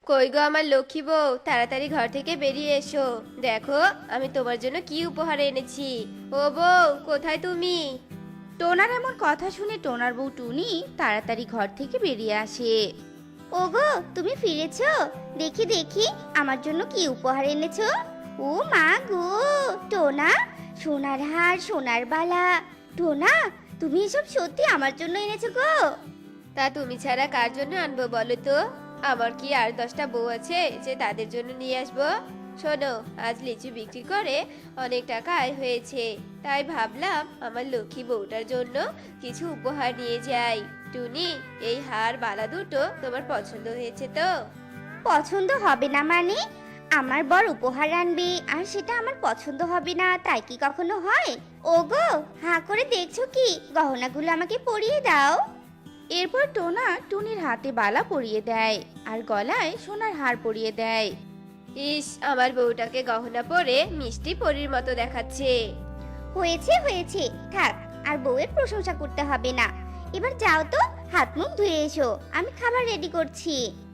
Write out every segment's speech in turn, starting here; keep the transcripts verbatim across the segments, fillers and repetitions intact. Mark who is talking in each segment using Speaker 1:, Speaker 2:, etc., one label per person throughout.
Speaker 1: কই গো আমার লক্ষ্মী বউ, তাড়াতাড়ি ঘর থেকে বেরিয়ে এসো। দেখো আমি তোমার জন্য কি উপহার এনেছি। ও বউ, কোথায় তুমি?
Speaker 2: টোনার এমন কথা শুনে টোনার বউ টুনি তাড়াতাড়ি ঘর থেকে বেরিয়ে আসে।
Speaker 3: ওগো, তুমি ফিরেছো? দেখি দেখি আমার জন্য কি উপহার এনেছো। ও মা গো, টোনা, সোনার হার, সোনার বালা। টোনা, তুমি এসব সত্যি আমার জন্য এনেছো গো?
Speaker 1: তা তুমি ছাড়া কার জন্য আনবো বলো তো? আমার কি আর দশটা বউ আছে যে তাদের জন্য নিয়ে আসবো? শোনো, আজ লিচু বিক্রি করে অনেক টাকা আয় হয়েছে, তাই ভাবলাম আমার লক্ষ্মী বউটার জন্য কিছু উপহার নিয়ে যাই। টুনি, এই হার বালা দুটো তোমার পছন্দ হয়েছে তো?
Speaker 3: পছন্দ হবে না মানে? আমার বর উপহার আনবে আর সেটা আমার পছন্দ হবে না, তাই কি কখনো হয়? ওগো, হাঁ করে দেখছো কি? গহনাগুলো আমাকে পরিয়ে দাও।
Speaker 2: এরপর টোনা টুনির হাতে বালা পরিয়ে দেয় আর গলায় সোনার হার পরিয়ে দেয়।
Speaker 1: ইস, আমার বউটাকে গহনা পরে মিষ্টি পরীর মতো দেখাচ্ছে।
Speaker 3: হয়েছে হয়েছে, থাক, আর বউয়ের প্রশংসা করতে হবে না। এবার যাও তো, হাত মুখ ধুয়ে এসো, আমি খাবার রেডি করছি।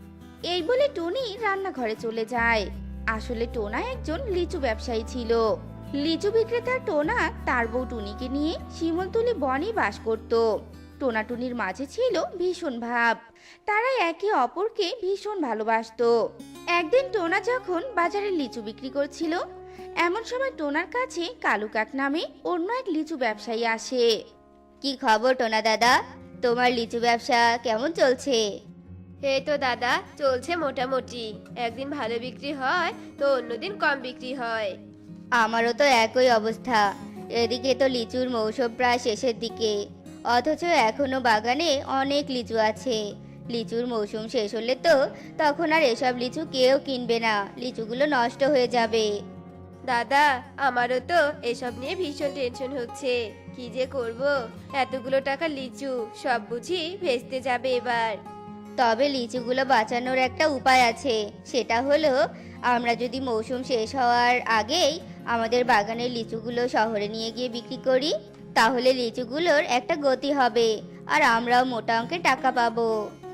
Speaker 2: এই বলে টুনি রান্নাঘরে চলে যায়। আসলে টোনা একজন লিচু ব্যবসায়ী ছিল। লিচু বিক্রেতা টোনা তার বউ টুনিকে নিয়ে শিমলতলি বনে বাস করত। টোনা টুনির মাঝে ছিল ভীষণ ভাব, তারা একে অপরকে ভীষণ ভালোবাসতো। একদিন টোনা যখন বাজারে লিচু বিক্রি করছিল, এমন সময় টোনার কাছে কালু কাক নামে অন্য এক লিচু ব্যবসায়ী আসে।
Speaker 3: কি খবর টোনা দাদা, তোমার লিচু ব্যবসা কেমন চলছে?
Speaker 1: এই তো দাদা, চলছে মোটামুটি। একদিন ভালো বিক্রি হয় তো অন্যদিন কম বিক্রি হয়।
Speaker 3: আমারও তো একই অবস্থা। এদিকে তো লিচুর মৌসুম প্রায় শেষের দিকে, অথচ এখনো বাগানে অনেক লিচু আছে। লিচুর মৌসুম শেষ হলে তো তখন আর এসব লিচু কেউ কিনবে না, লিচুগুলো নষ্ট হয়ে যাবে।
Speaker 1: দাদা, আমারও তো এসব নিয়ে ভীষণ টেনশন হচ্ছে। কি যে করব, এতগুলো টাকা লিচু সব বুঝি ভেস্তে যাবে এবার।
Speaker 3: তবে লিচুগুলো বাঁচানোর একটা উপায় আছে, সেটা হলো আমরা যদি মৌসুম শেষ হওয়ার আগেই আমাদের বাগানের লিচুগুলো শহরে নিয়ে গিয়ে বিক্রি করি, তাহলে লিচুগুলোর একটা গতি হবে আর আমরাও মোটা অঙ্কের টাকা পাবো।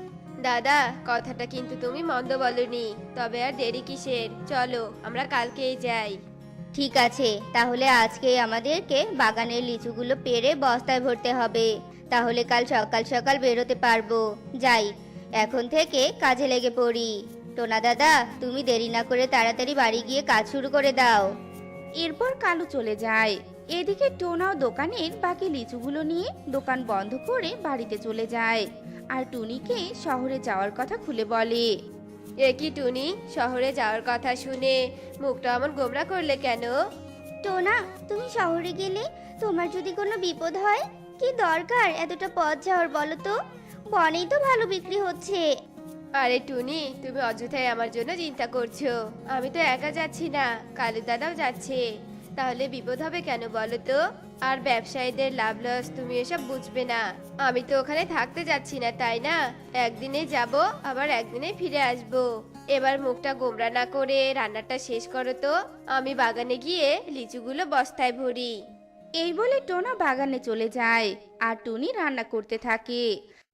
Speaker 1: দাদা, কথাটা কিন্তু তুমি মন্দ বলনি। তবে আর দেরি কিসের, চলো আমরা কালকেই যাই।
Speaker 3: ঠিক আছে, তাহলে আজকে আমাদেরকে বাগানের লিচুগুলো পেড়ে বস্তায় ভরতে হবে, তাহলে কাল সকাল সকাল বেরোতে পারবো। যাই, এখন থেকে কাজে লেগে পড়ি। টোনা দাদা, তুমি দেরি না করে তাড়াতাড়ি বাড়ি গিয়ে কাজ শুরু করে দাও।
Speaker 2: এরপর কালু চলে যায়। এদিকে টোনাও দোকানের বাকি লিচুগুলো নিয়ে দোকান বন্ধ করে বাড়িতে চলে যায় আর টুনিকে শহরে যাওয়ার কথা খুলে বলে।
Speaker 1: এ কি টুনি, শহরে যাওয়ার কথা শুনে মুখটা এমন গোমরা করলে কেন?
Speaker 3: টোনা, তুমি শহরে গেলে তোমার যদি কোনো বিপদ হয়, কি দরকার এতটা পথ যাওয়ার বলো তো? বনেই তো ভালো বিক্রি হচ্ছে।
Speaker 1: আরে টুনি, তুমি অযথাই আমার জন্য চিন্তা করছো। আমি তো একা যাচ্ছি না, কালু দাদাও যাচ্ছে। তাহলে বিপদ হবে কেন বলো তো? আর ব্যবসায়ীদের লাভ লস তুমি এসব বুঝবে না। আমি তো ওখানে থাকতে যাচ্ছি না, তাই না? একদিনে যাব, আবার একদিনে ফিরে আসব। এবার মুখটা গোমরা না করে রান্নাটা শেষ করো তো, আমি বাগানে গিয়ে লিচুগুলো বস্তায় ভরি।
Speaker 2: এই বলে টোনা বাগানে চলে যায় আর টুনি রান্না করতে থাকে।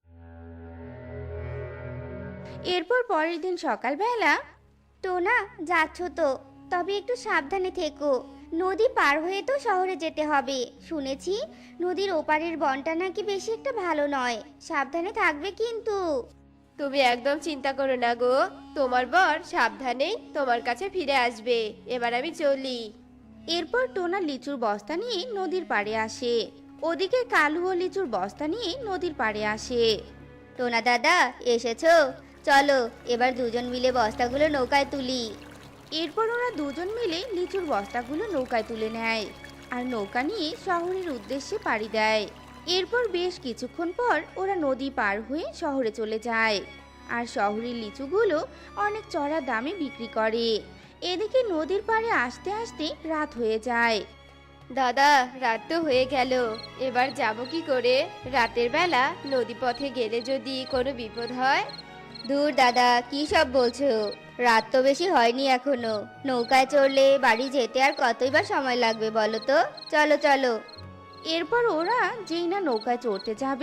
Speaker 2: এরপর পরের দিন সকালবেলা
Speaker 3: টোনা, যাচ্ছ তো, তবে একটু সাবধানে থেকো। নদী পার হয়ে তো শহরে যেতে হবে। শুনেছি নদীর ওপারের বনটা নাকি বেশি একটা ভালো নয়, সাবধানে থাকবে কিন্তু।
Speaker 1: তুমি একদম চিন্তা করো না গো, তোমার বর সাবধানেই তোমার কাছে ফিরে আসবে। এবার আমি চলি।
Speaker 2: এরপর টোনা লিচুর বস্তা নিয়ে নদীর পাড়ে আসে। ওদিকে কালুও লিচুর বস্তা নিয়ে নদীর পাড়ে আসে।
Speaker 3: টোনা দাদা, এসেছো? চলো এবার দুজন মিলে বস্তাগুলো নৌকায় তুলি।
Speaker 2: এরপর ওরা দুজন মিলে লিচুর বস্তাগুলো নৌকায় তুলে নেয় আর নৌকা নিয়ে শহরের উদ্দেশ্যে পাড়ি দেয়। এরপর বেশ কিছুক্ষণ পর ওরা নদী পার হয়ে শহরে চলে যায় আর শহরের লিচুগুলো অনেক চড়া দামে বিক্রি করে। এদিকে নদীর পাড়ে আসতে আসতে রাত হয়ে যায়।
Speaker 1: দাদা, রাত তো হয়ে গেল, এবার যাব কি করে? রাতের বেলা নদী পথে গেলে যদি কোনো বিপদ হয়?
Speaker 3: দূর দাদা, কি সব বলছো? রাত তো বেশি হয়নি এখনো। নৌকায় চড়লে বাড়ি যেতে আর কতই বা সময় লাগবে বলো তো? চলো চলো।
Speaker 2: এরপর ওরা যেই না নৌকায় চড়তে যাবে,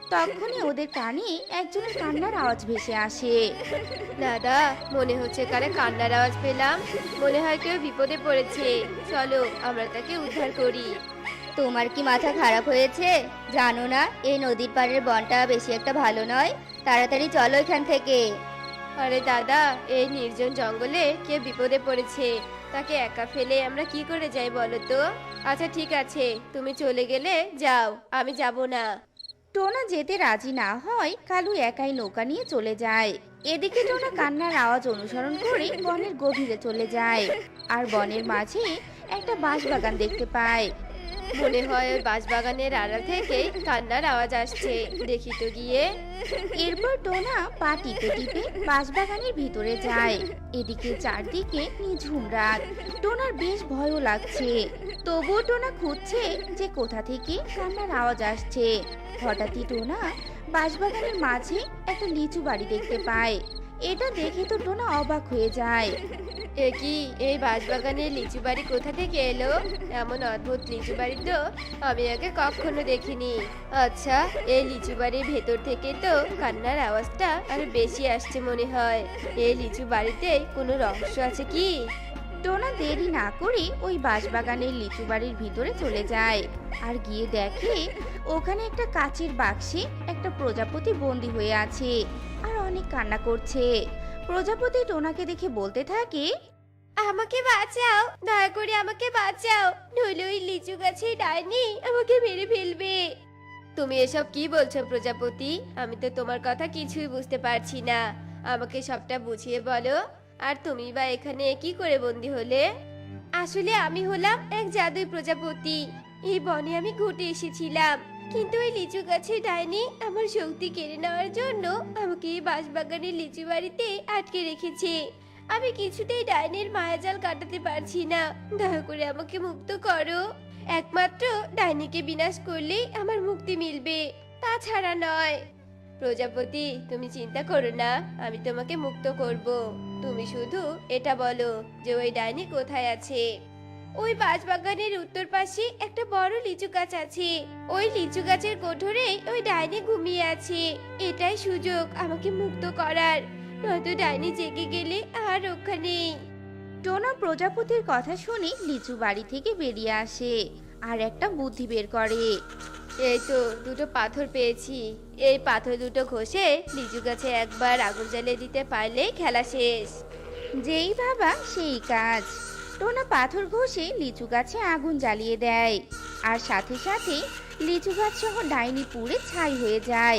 Speaker 2: তখনই ওদের কানে একজনের কান্নার আওয়াজ ভেসে আসে।
Speaker 1: দাদা, মনে হচ্ছে কারে কান্নার আওয়াজ পেলাম। মনে হয় কেউ বিপদে পড়েছে। চলো আমরা তাকে উদ্ধার করি।
Speaker 3: তোমার কি মাথা খারাপ হয়েছে? জানো না এই নদীর পাড়ের বনটা বেশি একটা ভালো নয়? তাড়াতাড়ি চলো এখান থেকে।
Speaker 1: আরে দাদা, এই নির্জন জঙ্গলে কেউ বিপদে পড়েছে, তাকে একা ফেলে আমরা কি করে যাই বলো তো? আচ্ছা ঠিক আছে, তুমি চলে গেলে যাও, আমি যাব না।
Speaker 2: টোনা যেতে রাজি না হয় কালু একাই নৌকা নিয়ে চলে যায়। এদিকে টোনা কান্নার আওয়াজ অনুসরণ করে বনের গভীরে চলে যায় আর বনের মাঝে একটা বাঁশবাগান দেখতে পায়।
Speaker 1: মনে হয় ওই বাঁশবাগানের আড়াল থেকে কান্নার আওয়াজ আসছে, দেখি তো গিয়ে।
Speaker 2: এরপর টোনা পা টিপে টিপে বাঁশবাগানের ভিতরে যায়। এদিকে চারদিকে নিঝুম রাত। টোনার বেশ ভয়ও লাগছে, তবুও টোনা খুঁজছে যে কোথা থেকে কান্নার আওয়াজ আসছে। হঠাৎই টোনা বাঁশবাগানের মাঝে একটা লিচু বাড়ি দেখতে পায়। এটা দেখে তো টোনা অবাক হয়ে যায়।
Speaker 1: এ কি, এই বাঁশবাগানের লিচু বাড়ি কোথা থেকে এলো? এমন অদ্ভুত লিচু বাড়ি তো আমি আগে কখনো দেখিনি। আচ্ছা, এই লিচু বাড়ির ভেতর থেকে তো কান্নার আওয়াজটা আরো বেশি আসছে মনে হয়। এই লিচু বাড়িতে কোনো রহস্য আছে কি?
Speaker 2: টোনা দেরি না করে ওই বাঁশবাগানের লিচু বাড়ির ভিতরে চলে যায় আর গিয়ে দেখে ওখানে একটা কাচের বাক্সে একটা প্রজাপতি বন্দি হয়ে আছে আর অনেক কান্না করছে। প্রজাপতি টোনাকে দেখে বলতে থাকে,
Speaker 1: আমাকে বাঁচাও, দয়া করে আমাকে বাঁচাও, নইলে ওই লিচু গাছে ডাইনি আমাকে মেরে ফেলবে। তুমি এসব কি বলছো প্রজাপতি? আমি তো তোমার কথা কিছুই বুঝতে পারছি না। আমাকে সবটা বুঝিয়ে বলো। আর তুমি বা এখানে কি করে বন্দি হলে? আসলে আমি হলাম এক জাদুই প্রজাপতি। এই বনে আমি ঘুরতে এসেছিলাম, কিন্তু এই লিচু গাছে ডাইনি আমার শক্তি কেড়ে নেওয়ার জন্য আমাকে এই বাঁশবাগানের লিচু বাড়িতে আটকে রেখেছে। আমি কিছুতেই ডাইনির মায়াজাল কাটাতে পারছি না। দয়া করে আমাকে মুক্ত করো। একমাত্র ডাইনিকে বিনাশ করলেই আমার মুক্তি মিলবে, তাছাড়া নয়। প্রজাপতি, তুমি চিন্তা করো না, আমি তোমাকে মুক্ত করব। তুমি শুধু এটা বলো যে ওই ডাইনি কোথায় আছে। ওই বাঁশবাগানের উত্তর পাশে একটা বড় লিচু গাছ আছে। ওই লিচু গাছের কোঠরে ওই ডাইনি ঘুমিয়ে আছে। এটাই সুযোগ আমাকে মুক্ত করার, নয়তো ডাইনি জেগে গেলে আর রক্ষা নেই।
Speaker 2: টোনা প্রজাপতির কথা শুনে লিচু বাড়ি থেকে বেরিয়ে আসে আর একটা বুদ্ধি বের করে।
Speaker 1: এই তো দুটো পাথর পেয়েছি, এই পাথর দুটো ঘষে লিচু গাছে একবার আগুন জ্বালিয়ে দিতে পারলেই খেলা শেষ।
Speaker 2: যেই ভাবা সেই কাজ। টোনা পাথর ঘষে লিচু গাছে আগুন জ্বালিয়ে দেয় আর সাথে সাথে লিচু গাছ সহ ডাইনি পুড়ে ছাই হয়ে যায়।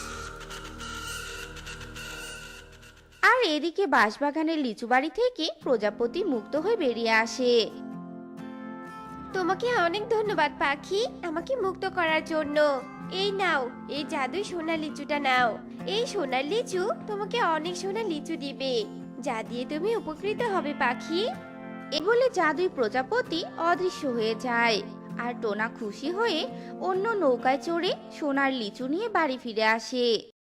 Speaker 2: আর এদিকে বাঁশবাগানের লিচু বাড়ি থেকে প্রজাপতি মুক্ত হয়ে বেরিয়ে আসে।
Speaker 1: তোমাকে অনেক ধন্যবাদ পাখি, আমাকে মুক্ত করার জন্য। এই নাও, এই জাদুই সোনার লিচুটা নাও। এই সোনার লিচু তোমাকে অনেক সোনার লিচু দিবে, যা দিয়ে তুমি উপকৃত হবে পাখি।
Speaker 2: এ বলে জাদুই প্রজাপতি অদৃশ্য হয়ে যায় আর টোনা খুশি হয়ে অন্য নৌকায় চড়ে সোনার লিচু নিয়ে বাড়ি ফিরে আসে।